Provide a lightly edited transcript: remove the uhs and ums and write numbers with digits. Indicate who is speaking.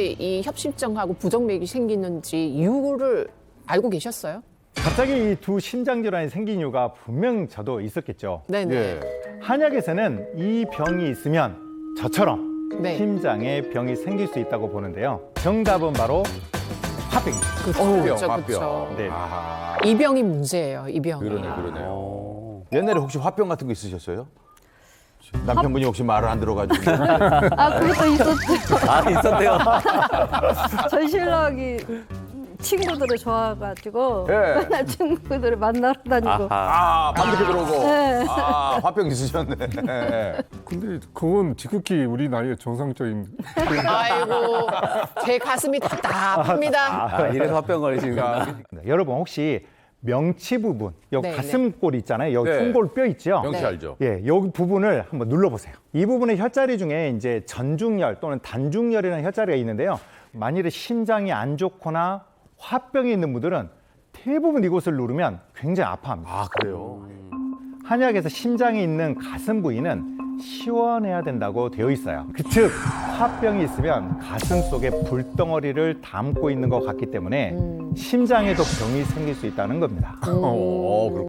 Speaker 1: 갑자기 이 협심증하고 부정맥이 생기는지 이유를 알고 계셨어요?
Speaker 2: 갑자기 이 두 심장 질환이 생긴 이유가 분명 저도 있었겠죠.
Speaker 1: 네네.
Speaker 3: 예.
Speaker 2: 한약에서는 이 병이 있으면 저처럼
Speaker 1: 네.
Speaker 2: 심장에 병이 생길 수 있다고 보는데요. 정답은 바로 화병입니다.
Speaker 1: 그렇죠,
Speaker 3: 화병.
Speaker 1: 그렇죠.
Speaker 2: 네.
Speaker 3: 아,
Speaker 1: 이 병이 문제예요, 이 병이.
Speaker 3: 그러네요. 옛날에 혹시 화병 같은 거 있으셨어요? 남편분이 혹시 말을 안 들어가지고.
Speaker 4: 아, 그것도 있었죠.
Speaker 5: 아, 있었대요.
Speaker 4: 저희 신랑이 친구들을 좋아해가지고
Speaker 3: 예.
Speaker 4: 맨날 친구들을 만나러 다니고.
Speaker 5: 아하.
Speaker 3: 아, 밤늦게 들어오고.
Speaker 4: 네.
Speaker 3: 아, 화병 있으셨네. 예.
Speaker 6: 근데 그건 지극히 우리 나이의 정상적인.
Speaker 1: 아이고, 제 가슴이 답답합니다.
Speaker 5: 아, 이래서 화병 걸리시는구나.
Speaker 2: 네, 여러분 혹시 명치 부분, 여기
Speaker 1: 네,
Speaker 2: 가슴골 있잖아요. 여기
Speaker 3: 네.
Speaker 2: 송골 뼈 있죠.
Speaker 3: 명치
Speaker 1: 네.
Speaker 3: 알죠?
Speaker 2: 예, 여기 부분을 한번 눌러보세요. 이 부분의 혈자리 중에 이제 전중열 또는 단중열이라는 혈자리가 있는데요. 만일에 심장이 안 좋거나 화병이 있는 분들은 대부분 이곳을 누르면 굉장히 아파합니다.
Speaker 3: 아, 그래요?
Speaker 2: 한약에서 심장이 있는 가슴 부위는 시원해야 된다고 되어 있어요. 즉 화병이 있으면 가슴 속에 불덩어리를 담고 있는 것 같기 때문에 심장에도 병이 생길 수 있다는 겁니다.
Speaker 3: 그렇군요.